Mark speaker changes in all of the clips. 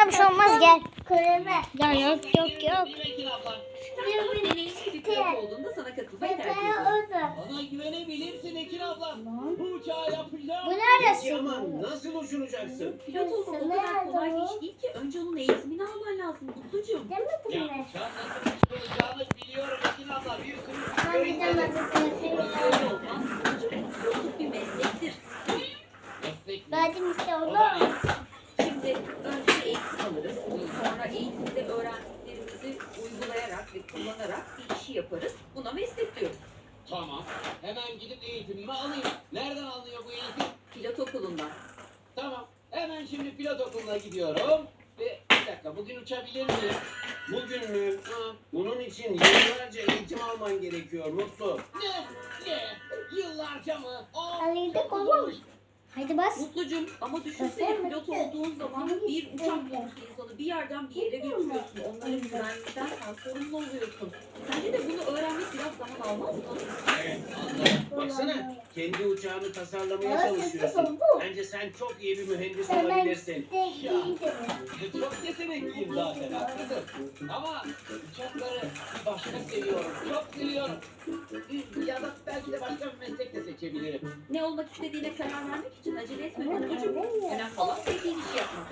Speaker 1: Sana bir şey olmaz gel.
Speaker 2: Kulübe.
Speaker 1: Ya yok.
Speaker 3: Ekin abla.
Speaker 4: Deneyimli bir pilot olduğunda sana katılmayı tercih ediyorum.
Speaker 2: Orada.
Speaker 3: Bana güvenebilirsin Ekin abla. Bu uçağı yapacağım.
Speaker 2: Bu neresi?
Speaker 5: Peki ama nasıl uçuracaksın?
Speaker 4: Pilot olmak o kadar kolay bir iş değil ki. Önce onun eğitimini alman lazım Mutlucuğum.
Speaker 2: Değil mi bu
Speaker 3: Ya
Speaker 2: ne?
Speaker 3: uçağın nasıl uçulacağını biliyorum Ekin abla. Bir sürü
Speaker 2: Ben
Speaker 3: video
Speaker 2: bir tane
Speaker 3: izledim.
Speaker 4: Öyle olmaz Mutlucuğum. Pilotluk bir meslektir.
Speaker 3: Meslek mi?
Speaker 2: Verdim işte
Speaker 3: O da
Speaker 2: onu.
Speaker 3: ne?
Speaker 4: Şimdi önce bir eğitim alırız. Sonra eğitimde öğrendiklerimizi uygulayarak ve kullanarak bir işi yaparız. Buna meslek diyoruz.
Speaker 3: Tamam. Hemen gidip eğitimimi alayım. Nereden alınıyor bu eğitim?
Speaker 4: Pilot okulundan.
Speaker 3: Tamam. Hemen şimdi pilot okuluna gidiyorum. Ve bir dakika bugün uçabilir miyim?
Speaker 5: Bugün mü?
Speaker 3: Ha.
Speaker 5: Bunun için yıllarca eğitim alman gerekiyor Mutlu.
Speaker 3: Ne? Yıllarca mı?
Speaker 2: Alıyorduk oğlum. Hadi bas.
Speaker 4: Mutlucuğum ama düşünsene pilot olduğun zaman bir uçak konusu insanı bir yerden bir yere götürüyorsun. Onların güvenliğinden sen sorumlu oluyorsun. Sence de bunu öğrenmek biraz zaman almaz mı?
Speaker 5: Evet, anladım. Baksana, kendi uçağını tasarlamaya çalışıyorsun. Bence sen çok iyi bir mühendis olabilirsin.
Speaker 3: Çok yetenekliyim zaten haklısın. Ama uçakları bir başka seviyorum. Çok seviyorum. Ya da belki de başka bir meslek de seçebilirim.
Speaker 4: Ne olmak istediğine karar vermek için acele etme Mutlucuğum. Önemli olan sevdiğin işi yapmak.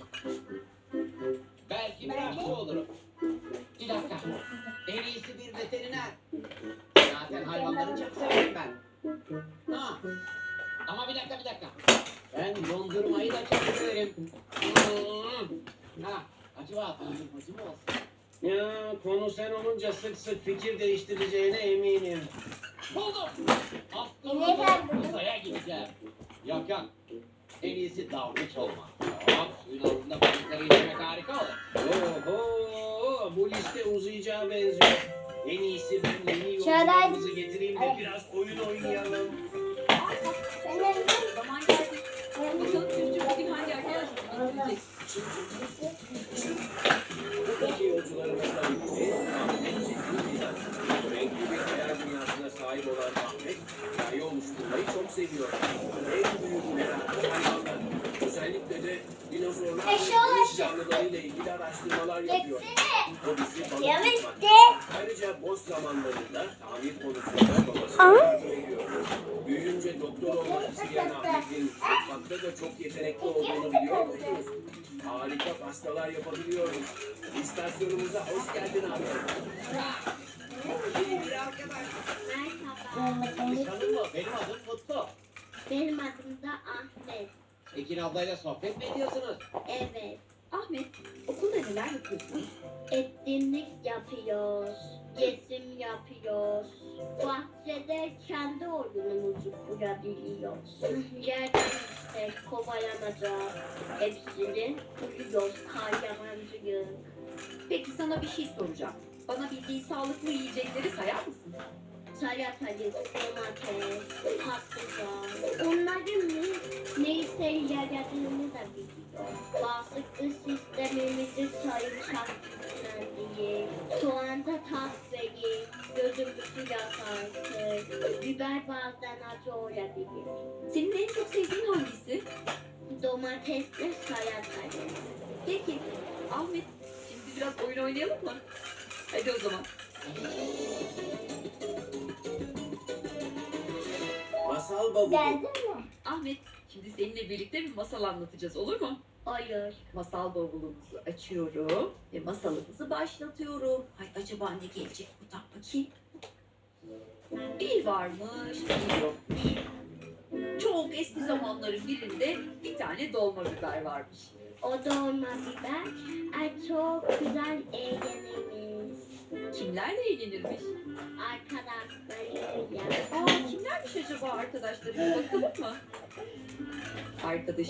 Speaker 3: Belki bir aşçı olurum. Bir dakika. En iyisi bir veteriner. Zaten hayvanları çok severim ben. Ha. Ama bir dakika. Ben dondurmayı da çok severim. Ha. Acaba dondurmacı mı olsun?
Speaker 5: Ya konu sen olunca sık sık fikir değiştireceğine eminim.
Speaker 3: Buldum.
Speaker 2: Ne geldi?
Speaker 3: Uzaya gideceğim. Yok. En iyisi dalgıç olmak. Tamam. Suyun altında balıkları izlemek harika olur.
Speaker 5: Oho, bu liste uzayacağı benziyor. En iyisi ben yeni
Speaker 2: Şöyle-
Speaker 5: yolcularımızı getireyim de biraz oyun oynayalım.
Speaker 4: Zaman geldi. Bakalım çocuk bugün hangi arkadaşımızı getirecek?
Speaker 5: Buradaki yolcularımızla birlikte Ahmet Çetin Fidan. Renkli bir hayal dünyasına sahip olan Ahmet, hikaye oluşturmayı çok seviyor. En büyük merakı hayvanlar. Özellikle de dinozorlar ve
Speaker 2: Eşyalar.
Speaker 5: deniz canlılarıyla ilgili araştırmalar yapıyor. Hobisi balık
Speaker 2: Evet
Speaker 5: tutmak.
Speaker 2: de.
Speaker 5: Ayrıca boş zamanlarında tamir konusunda babasına yardım ediyor. Büyüyünce doktor olmak isteyen Ahmet'in mutfakta da çok yetenekli olduğunu biliyor musunuz? Harika pastalar yapabiliyoruz. İstasyonumuza hoş geldin Ahmet.
Speaker 3: İyi bir arkadaş.
Speaker 2: Merhaba.
Speaker 3: Tanışalım mı? Benim adım Mutlu.
Speaker 2: Benim adım da Ahmet.
Speaker 3: Ekin ablayla sohbet mi ediyorsunuz?
Speaker 2: Evet.
Speaker 4: Ahmet, okulda neler yapıyorsun?
Speaker 2: Etkinlik yapıyoruz. Resim yapıyoruz. Bahçede kendi oyunumuzu kurabiliyoruz. Yerden işte kovalamaca hepsini kuruyoruz. Kayyamancıyız.
Speaker 4: Peki sana bir şey soracağım. Bana bildiğin sağlıklı yiyecekleri sayar mısın?
Speaker 2: Salatalık, domates, patlıcan. Onların neyse yaradığını da biliyor. Bağışıklık sistemimizi sarımsak düzenleyici, soğanda tat verir, gözümüzü yakartır, biber bazen acı olabilir.
Speaker 4: Senin en çok sevdiğin hangisi?
Speaker 2: Domatesle salatalık.
Speaker 4: Peki, Ahmet, şimdi biraz oyun oynayalım mı? Hadi o zaman.
Speaker 5: Masal bavulu.
Speaker 2: Geldin mi?
Speaker 4: Ahmet, şimdi seninle birlikte bir masal anlatacağız, olur mu?
Speaker 2: Hayır.
Speaker 4: Masal bavulumuzu açıyorum ve masalımızı başlatıyorum. Ay acaba ne gelecek buradan bakayım. Bir varmış, bir yokmuş. Çok eski zamanların birinde bir tane dolma biber varmış.
Speaker 2: O dolma biber çok güzel eğleniriz.
Speaker 4: Kimlerle eğlenirmiş?
Speaker 2: Arkadaşlarıyla.
Speaker 4: Aa kimlermiş acaba arkadaşları? Bir bakalım mı? Arkadaşı.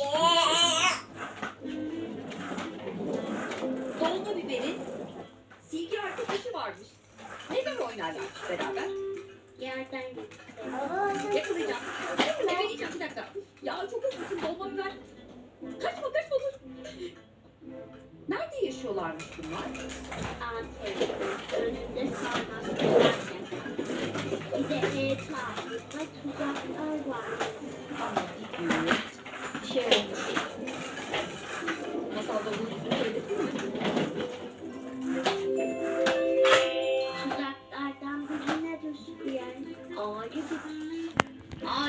Speaker 4: Dolma biberin silgi arkadaşı varmış. Neden oynarlarmış beraber?
Speaker 2: Yerden gitti.
Speaker 4: Yakalayacağım. Yakalayacağım bir dakika. Ya çok hızlısın dolma biber. Kaçma dur. Nerede yaşıyorlarmış bunlar?
Speaker 2: Antep. Önünde sarmak varken. Bir de etrafında tuzaklar var.
Speaker 4: Ama bir gün bir şey olmuş. Masalda bunu söyledi
Speaker 2: Ağacı gibi